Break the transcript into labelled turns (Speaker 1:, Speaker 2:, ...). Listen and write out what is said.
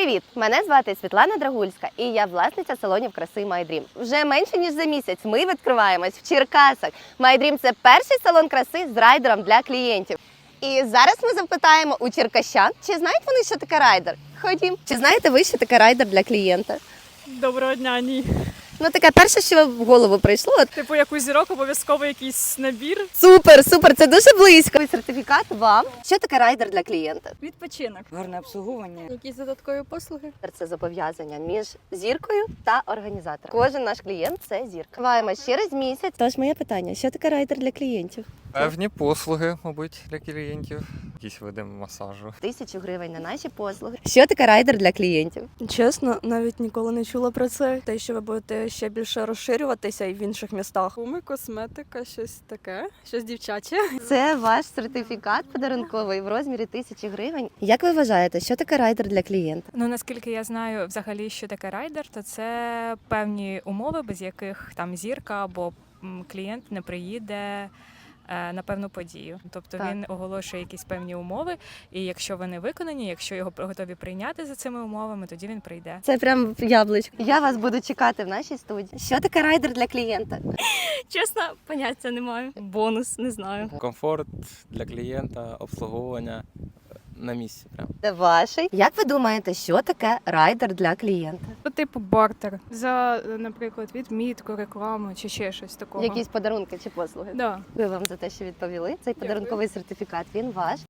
Speaker 1: Привіт! Мене звати Світлана Драгульська і я власниця салонів краси My Dream. Вже менше ніж за місяць ми відкриваємось в Черкасах. My Dream – це перший салон краси з райдером для клієнтів. І зараз ми запитаємо у черкащан, чи знають вони, що таке райдер? Ходім. Чи знаєте ви, що таке райдер для клієнта?
Speaker 2: Доброго дня, ні.
Speaker 1: Ну, таке перше, що в голову прийшло.
Speaker 2: Типу, як у зірок обов'язково якийсь набір.
Speaker 1: Супер, це дуже близько. Сертифікат вам. Що таке райдер для клієнта?
Speaker 2: Відпочинок.
Speaker 3: Гарне обслуговування.
Speaker 2: Якісь додаткові послуги.
Speaker 1: Це зобов'язання між зіркою та організатором. Кожен наш клієнт – це зірка. Відкриваємо через місяць. Тож моє питання, що таке райдер для клієнтів?
Speaker 4: Певні послуги, мабуть, для клієнтів. Якісь види масажу.
Speaker 1: 1000 гривень на наші послуги. Що таке райдер для клієнтів?
Speaker 5: Чесно, навіть ніколи не чула про це. Те, що ви будете ще більше розширюватися і в інших містах.
Speaker 2: Гуми, косметика, щось таке, щось дівчаче.
Speaker 1: Це ваш сертифікат подарунковий в розмірі 1000 гривень. Як ви вважаєте, що таке райдер для клієнта?
Speaker 6: Ну, наскільки я знаю взагалі, що таке райдер, то це певні умови, без яких там зірка або клієнт не приїде на певну подію. Тобто
Speaker 1: Так.
Speaker 6: він оголошує якісь певні умови, і якщо вони виконані, якщо його готові прийняти за цими умовами, тоді він прийде.
Speaker 1: Це прям яблучко. Я вас буду чекати в нашій студії. Що таке райдер для клієнта?
Speaker 5: Чесно, поняття не маю. Бонус, не знаю.
Speaker 7: Комфорт для клієнта, обслуговування на місці. Прям.
Speaker 1: Це ваший. Як ви думаєте, що таке райдер для клієнта?
Speaker 2: По типу бартер. За, наприклад, відмітку, рекламу чи ще щось такого.
Speaker 1: Якісь подарунки чи послуги?
Speaker 2: Да.
Speaker 1: Дякую вам за те, що відповіли. Цей подарунковий сертифікат, він ваш.